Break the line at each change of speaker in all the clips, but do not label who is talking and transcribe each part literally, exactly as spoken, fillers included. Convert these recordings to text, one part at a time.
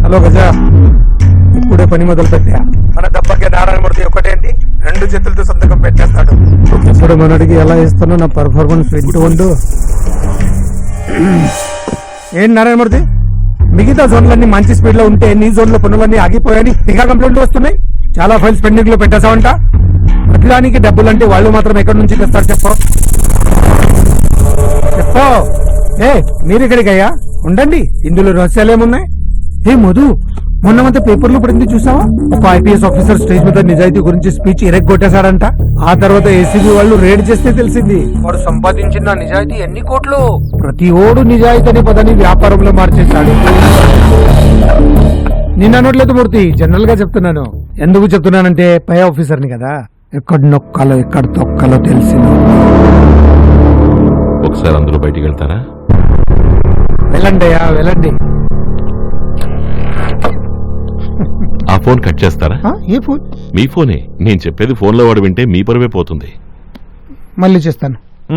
Hello Gaza, ఇప్పుడే పని మొదలు పెట్టా. మన దెబ్బకి నారాయణమూర్తి ఒకటేంటి రెండు చేతులతో సంతకం పెట్టేస్తాడు. ఇప్పుడు మనడికి ఎలా ఇస్తానో నా పర్ఫార్మెన్స్ వింటూ ఉండు. ఏంటి నారాయణమూర్తి, మిగతా జోన్లన్నీ మంచి స్పీడ్ లో ఉంటే నీ జోన్ లో పనులన్నీ ఆగిపోయాయని ఇంకా కంప్లైంట్లు వస్తున్నాయి. చాలా ఫైల్స్ పెండింగ్ లో పెట్టేసావంట. ప్రతిదానికి డబ్బులంటే వాళ్ళు మాత్రం ఎక్కడి నుంచి తెస్తారు చెప్పు చెప్పు ఏ మీరు ఇక్కడికయ్యా ఉండండి, ఇందులో రహస్యాలు ఏమున్నాయి? ఏ మధు, మొన్నమంతా పేపర్లో పడింది చూసావా? ఒక ఐపీఎస్ ఆఫీసర్ స్టేజ్ మీద నిజాయితీ గురించి స్పీచ్ ఎరగొట్టేశాడంట. ఆ తర్వాత ఏసీబీ వాళ్ళు రేడ్ చేస్తే తెలిసింది వాడు సంపాదించిన నిజాయితీ ఎన్ని కోట్లు. ప్రతి ఓడు నిజాయితీ అనే పదాన్ని వ్యాపారంలో మార్చేశాడు. నేను అనట్లేదు మూర్తి, జనరల్ గా చెప్తున్నాను. ఎందుకు చెప్తున్నానంటే పై ఆఫీసర్ని కదా, ఎక్కడ నొక్కాలో ఎక్కడ తొక్కాలో తెలిసింది.
ఒకసారి అందరూ బయటికి వెళ్తారా?
వెళ్ళండి అయ్యా వెళ్ళండి.
ఆ ఫోన్ కట్ చేస్తారా?
ఏ ఫోన్?
మీ ఫోనే. నేను చెప్పేది ఫోన్లో వాడు వింటే మీ పరువే పోతుంది.
మళ్ళీ చేస్తాను.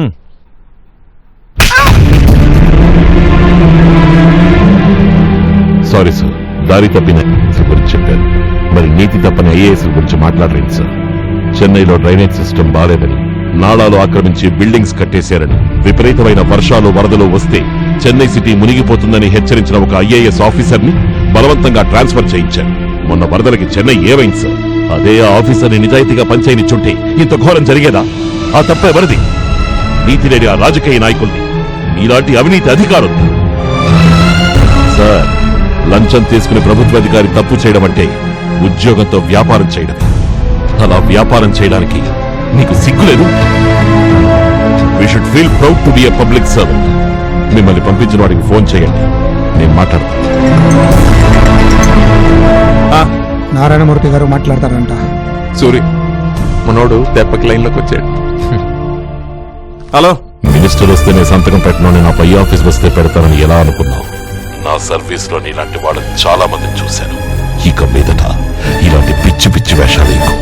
సారీ సార్, దారి తప్పిన గురించి చెప్పారు. మరి నీతి తప్పని ఐఏఎస్ గురించి మాట్లాడలేదు సార్. చెన్నైలో డ్రైనేజ్ సిస్టమ్ బాలేదని, నాళాలు ఆక్రమించి బిల్డింగ్స్ కట్టేశారని, విపరీతమైన వర్షాలు వరదలు వస్తే చెన్నై సిటీ మునిగిపోతుందని హెచ్చరించిన ఒక ఐఏఎస్ ఆఫీసర్ ని బలవంతంగా ట్రాన్స్ఫర్ చేయించారు. మొన్న వరదలకి చెన్నై ఏమైంది సార్? అదే ఆ ఆఫీసర్ని నిజాయితీగా పనిచేయనిచ్చుంటే ఇంత ఘోరం జరిగేదా? ఆ తప్ప ఎవరిది? నీతి లేని ఆ రాజకీయ నాయకుల్ని, ఇలాంటి అవినీతి అధికారులు. సార్, లంచం తీసుకుని ప్రభుత్వ అధికారి తప్పు చేయడం అంటే ఉద్యోగంతో వ్యాపారం చేయడం. అలా వ్యాపారం చేయడానికి మీకు సిగ్గులేదు? We should feel proud to be a public servant. మిమ్మల్ని పంపించిన వాడికి ఫోన్ చేయండి, నేను మాట్లాడతాను.
నారాయణమూర్తి గారు మాట్లాడతారంట.
సూరి, మనోడు దెబ్బకి లైన్లోకి వచ్చాడు. హలో,
మినిస్టర్ వస్తేనే సంతకం పెట్టను, నా పై ఆఫీస్ వస్తే పెడతానని ఎలా అనుకున్నావు? నా సర్వీస్ లో ఇలాంటి వాళ్ళని చాలా మందిని చూశాను. ఇక మీదట ఇలాంటి పిచ్చి పిచ్చి వేషాలు ఎక్కువ.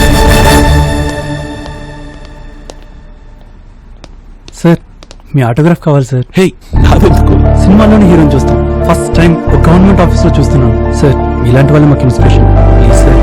సార్, మీ ఆటోగ్రాఫ్ కావాలి సార్.
హే, నాదెందుకు?
సినిమాలోని హీరోని చూస్తాం. ఫస్ట్ టైం ఒక గవర్నమెంట్ ఆఫీస్ లో చూస్తున్నాను సార్. ఇలాంటి వాళ్ళు మాకు ఇన్స్పిరేషన్. Please sir.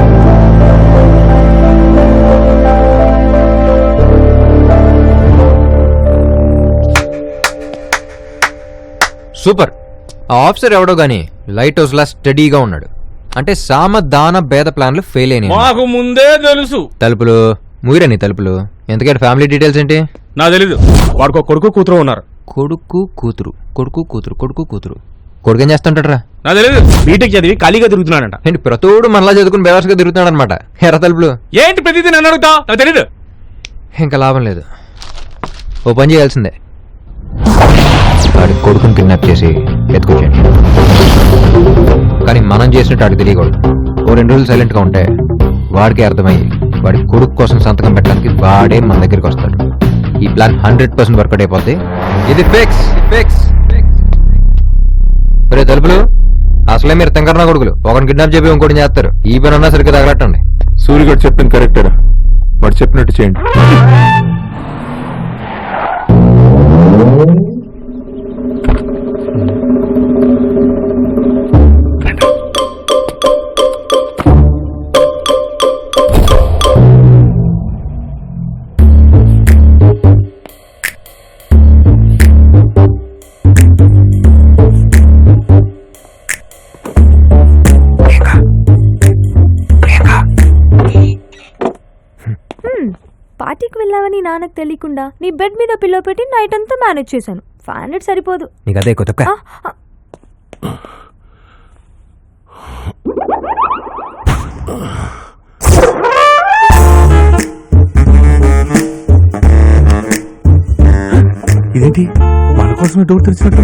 సూపర్. ఆ ఆఫీసర్ ఎవడో గానీ లైట్ హౌస్ లా స్టడీగా ఉన్నాడు. అంటే సామ దాన భేద ప్లాన్లు ఫెయిల్ అయినాయి.
మాకు ముందే తెలుసు.
తలుపులు మూయరని తలుపులు. ఎందుకంటే ఫ్యామిలీ డీటెయిల్స్ ఏంటి
నాకు తెలీదు. వాడికో కొడుకు కూతురు ఉన్నారు.
కొడుకు కూతురు కొడుకు కూతురు కొడుకు కూతురు కొడుకు ఏం చేస్తుంటాడరా?
నాకు తెలీదు. బీటెక్ చదివి ఖాళీగా తిరుగుతున్నాడంట.
ఏంటి ప్రతోడు మనలా చదువుకుని బేవర్స్గా తిరుగుతున్నాడు అనమాట. ఎర్ర తలుపులు
ఏంటి ప్రతిదీ నన్ను అడుగుతా? నాకు తెలీదు.
ఇంకా లాభం లేదు. ఓ పని చేయాల్సిందే, వాడి కొడుకుని కిడ్నాప్ చేసి ఎత్తుకొచ్చేయండి. కానీ మనం చేసినట్టు వాడికి తెలియకూడదు. ఓ రెండు రోజులు సైలెంట్గా ఉంటే వాడికి అర్థమయ్యి వాడి కొడుకు కోసం సంతకం పెట్టడానికి వాడే మన దగ్గరికి వస్తాడు. ఈ ప్లాన్ హండ్రెడ్ పర్సెంట్ వర్కౌట్ అయిపోద్ది. ఇది ఫిక్స్ ఫిక్స్. రే తలుపులు, అసలే మీరు తెంకరనా కొడుకులు. ఒకరిని కిడ్నాప్ చెప్పి ఇంకోటి చేస్తారు. ఈ పని అన్నా సరిగ్గా తగలట్టండి.
సూర్యగాడు చెప్పింది కరెక్టరా? వాడు చెప్పినట్టు చేయండి.
పార్టీకి వెళ్ళావని నాన్నకు తెలియకుండా నీ బెడ్ మీద పిల్లో పెట్టి నైట్ అంతా మేనేజ్ చేశాను. ఫైవ్ హండ్రెడ్ సరిపోదు.
నీకు అదే కొత్త
ఇదేంటి మన కోసమే డోర్ తెరిచినట్టు?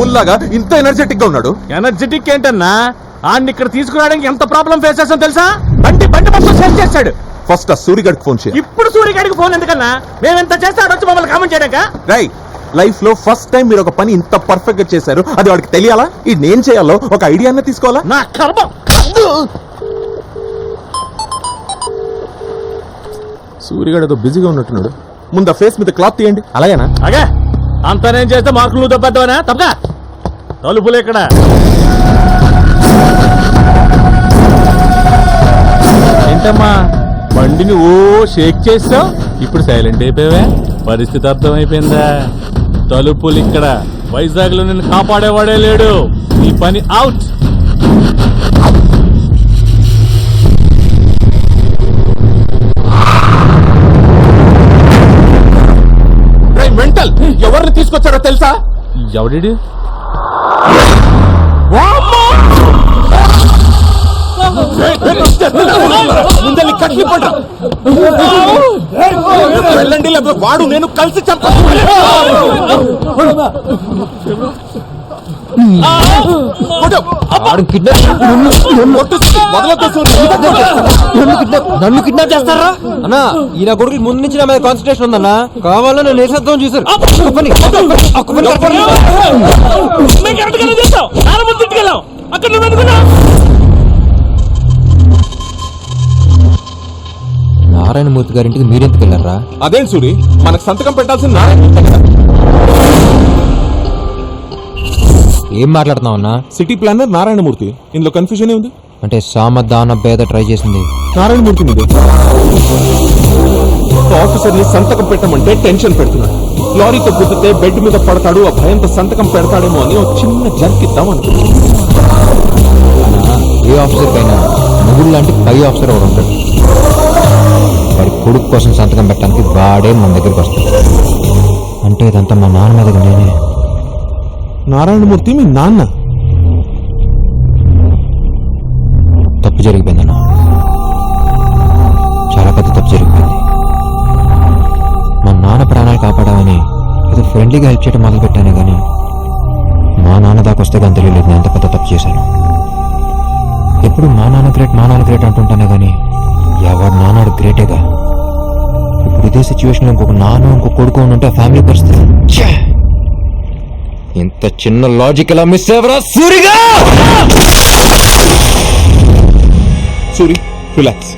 పుల్లాగా ఇంత ఎనర్జెటిక్ గా ఉన్నాడు.
ఎనర్జెటిక్ ఏంటన్నా ఆడిని ఇక్కడ తీసుకురావడానికి ఎంత ప్రాబ్లం ఫేస్ చేస్తాం తెలుసా? బండి బండి మొత్తం సేల్ చేస్తాడు.
ఫస్ట్ ఆ సూరిగడికి ఫోన్ చేయాలి.
ఇప్పుడు సూర్యగాడికి ఫోన్ ఎందుకన్నా? మేమెంత చేస్తే ఆడొచ్చి మమ్మల్ని కామెంట్ చేయడాక?
రై లైఫ్ లో ఫస్ట్ టైం మీరు ఒక పని ఇంత పర్ఫెక్ట్ గా చేశారు, అది వాడికి తెలియాలా? ఇది నేను చేయాలో ఒక ఐడియా అన్న తీసుకోవాలా?
నా కర్మ.
సూరిగడు ఏదో బిజీగా ఉన్నట్టున్నాడు. ముందు ఆ ఫేస్ మీద క్లాత్ తీయండి. అలాగేనా?
అగే అంత నేను చేస్తే మార్కులు నువ్వు తప్పేద్దామనా? తప్పగా తలుపులు ఇక్కడ. ఏంటమ్మా బండిని ఓ షేక్ చేసావు, ఇప్పుడు సైలెంట్ అయిపోయావే? పరిస్థితి అర్థమైపోయిందా? తలుపులు ఇక్కడ. వైజాగ్ లో నిన్ను కాపాడేవాడే లేడు. నీ పని అవుట్.
మెంటల్ ఎవరిని తీసుకొచ్చారో తెలుసా?
ఎవడి
ముందల్ని కట్లు పడ్డా వెళ్ళండి, లేకపోతే వాడు నేను కలిసి చంప.
నన్ను కిడ్నాప్ చేస్తారా అన్నా? ఈయన కొడుకు ముందు నుంచి నా మీద కాన్సన్ట్రేషన్ ఉందన్నా. కావాలని నేను నేసేద్దాం చూసారు. నారాయణమూర్తి గారింటికి మీరెందుకు వెళ్ళారా?
అదేం సూరి, మనకు సంతకం పెట్టాల్సిన నారాయణ.
ఏం మాట్లాడుతున్నావన్నా?
City planar Narayanamurthy. ఇందులో కన్ఫ్యూజన్ ఉంది.
అంటే సామధాన భేద ట్రై చేసింది
నారాయణమూర్తి మీదే. ఆఫీసర్ ని సంతకం పెట్టమంటే టెన్షన్ పెడుతున్నాడు. లారీతో గుద్దితే బెడ్ మీద పడతాడు, ఆ భయంతో సంతకం పెడతాడేమో అని ఒక చిన్న జర్కిద్దాం అనుకున్నాడు.
ఏ ఆఫీసర్ కైనా ముగ్గురు లాంటి పై ఆఫీసర్ ఒకడు ఉంటాడు. వాడి కొడుకు కోసం సంతకం పెట్టడానికి వాడే మన దగ్గరికి వస్తాడు. అంటే ఇదంతా మా నాన్న మీద నేనే.
నారాయణమూర్తి మీ నాన్న?
తప్పు జరిగిపోయిందన్న, చాలా పెద్ద తప్పు జరిగిపోయింది. మా నాన్న ప్రాణాలు కాపాడామని ఏదో ఫ్రెండ్లీగా హెల్ప్ చేయడం మొదలు పెట్టానే కానీ మా నాన్న దాకా వస్తే కానీ తెలియలేదు నేను ఎంత పెద్ద తప్పు చేశాను. ఎప్పుడు మా నాన్న గ్రేట్ మా నాన్న గ్రేట్ అంటుంటానే కానీ ఎవరు నాన్నాడు గ్రేటేగా. ఇప్పుడు ఇదే సిచ్యువేషన్లో ఇంకొక నాన్న ఇంకొక కొడుకు ఉంటే ఫ్యామిలీ పరిస్థితి. ఇంత చిన్న లాజిక్ ఎలా మిస్ అయ్యవరా సూరిగా?
సూరి రిలాక్స్.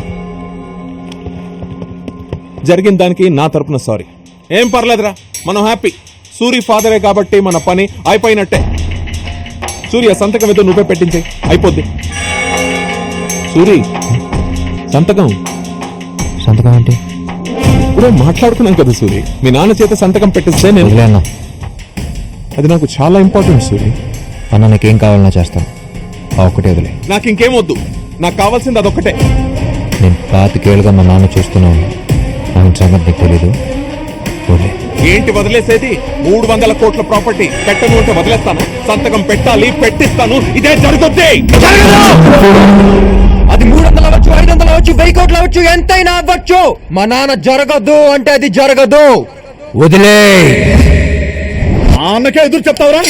జరిగిన దానికి నా తరపున సారీ. ఏం పర్లేదురా, మనం హ్యాపీ. సూరి ఫాదరే కాబట్టి మన పని అయిపోయినట్టే. సూర్య సంతకం ఏదో నువ్వే పెట్టించే, అయిపోద్ది. సూరి సంతకం.
సంతకం ఏంటి?
ఇప్పుడే మాట్లాడుకున్నాం కదా సూరి, మీ నాన్న చేత సంతకం పెట్టిస్తే నేను.
వదిలేనా?
అది నాకు చాలా ఇంపార్టెంట్ సూరి.
అన్న నాకేం కావాలన్నా చేస్తాను, ఆ ఒక్కటే వదిలే.
నాకు ఇంకేం వద్దు, నాకు కావాల్సింది అదొక్కటే.
నేను పాతికేళ్ళుగా మా నాన్న చూస్తున్నాను, ఆయన సంగతి నీకు తెలీదు. వదిలే.
ఏంటి వదిలేసేది? మూడు వందల కోట్ల ప్రాపర్టీ పెట్టను అంటే వదిలేస్తాను. సంతకం పెట్టాలి, పెట్టిస్తాను. ఇదే జరుగుతుంది.
అది మూడు వందలు అవ్వచ్చు, ఐదు వందలు అవ్వచ్చు, వెయ్యి కోట్లు అవ్వచ్చు, ఎంతైనా అవ్వచ్చు. మా నాన్న జరగదు అంటే అది జరగదు. వదిలే.
నాన్నకే ఎదురు చెప్తావురా?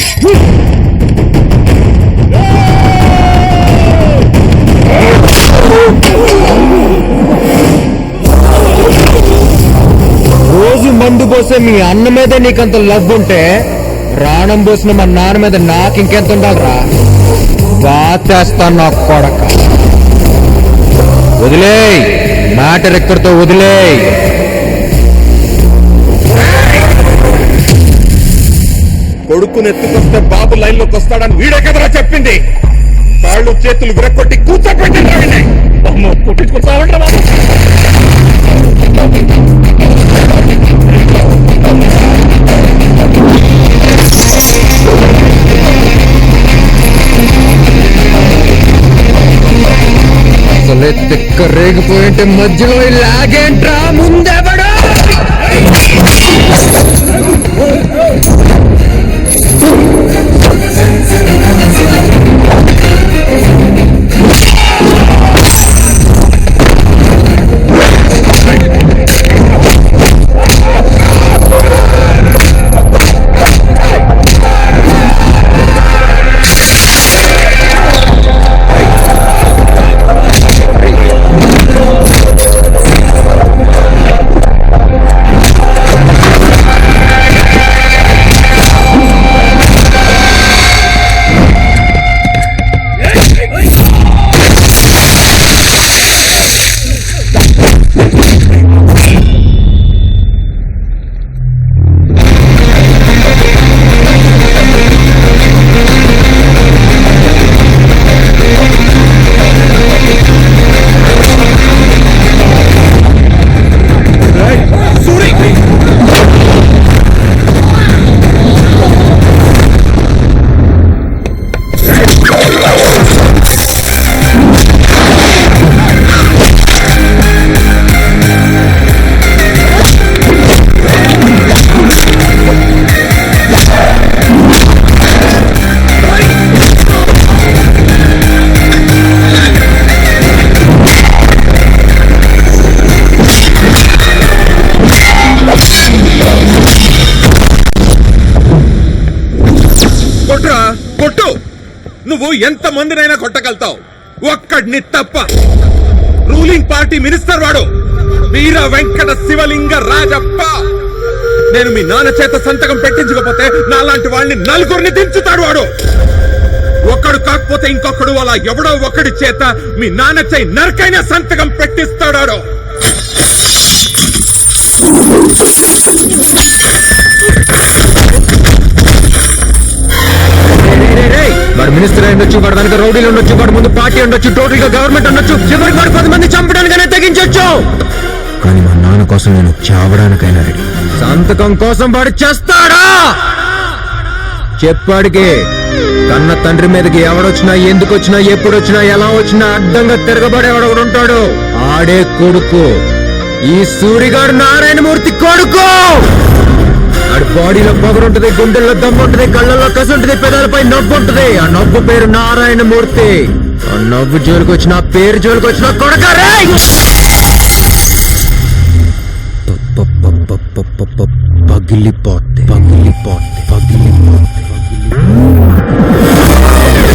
రోజు మందు పోసే మీ అన్న మీద నీకంత లవ్ ఉంటే ప్రాణం పోసిన మా నాన్న మీద నాకు ఇంకెంత ఉండాలరా? బాచేస్తాను నా కొడక. వదిలే. మ్యాటర్ ఎక్కడితో వదిలే.
కొడుకుని ఎత్తుకొస్తే బాబు లైన్ లోకి వస్తాడని వీడే కదరా చెప్పింది. కాళ్ళు చేతులు విరక్కొట్టి కూర్చోపెట్టింది. పుట్టించుకుంటామంటే బాబు.
అసలే తిక్క రేగిపోయింటే మధ్యలో లాగేంట్రా? ముందెవడా?
నువ్వు ఎంత మందినైనా కొట్టగలుగుతావు, ఒక్కడిని తప్ప. రూలింగ్ పార్టీ మినిస్టర్ వాడు వీర వెంకట శివలింగ రాజప్ప. నేను మీ నాన్న చేత సంతకం పెట్టించకపోతే నాలాంటి వాళ్ళని నలుగురిని దించుతాడు వాడు. ఒక్కడు కాకపోతే ఇంకొకడు అలా ఎవడో ఒకడి చేత మీ నాన్న చేయి నరకైన సంతకం పెట్టిస్తాడు.
వాడు మినిస్టర్ అయి ఉండొచ్చు, వాడు వెనక రౌడీలు ఉండొచ్చు, వాడు ముందు పార్టీ ఉండొచ్చు, టోటల్ గా గవర్నమెంట్ ఉండొచ్చు, చివరికి వాడు పది మంది చంపడానికైనా తెగించొచ్చు. కానీ మా నాన్న కోసం నేను చావడానికైనా రెడీ. సంతకం కోసం వాడు చేస్తాడా? చెప్పాడికి కన్న తండ్రి మీదకి ఎవడొచ్చినా, ఎందుకు వచ్చినా, ఎప్పుడు వచ్చినా, ఎలా వచ్చినా అడ్డంగా తిరగబడేవాడు ఒకడు ఉంటాడు. ఆడే కొడుకు ఈ సూరిగాడు, నారాయణమూర్తి కొడుకు. ఆడి బాడీలో పొగరుంటది, గుండెల్లో దమ్ముంటది, కళ్ళల్లో కసుంటది, పెదాలపై నవ్వు ఉంటది. ఆ నవ్వు పేరు నారాయణమూర్తి. ఆ నవ్వు జోలికి వచ్చిన, పేరు జోలికి వచ్చిన కొడకారే పగిలిపోతే పగిలిపోతే పగిలిపోతే పగిలి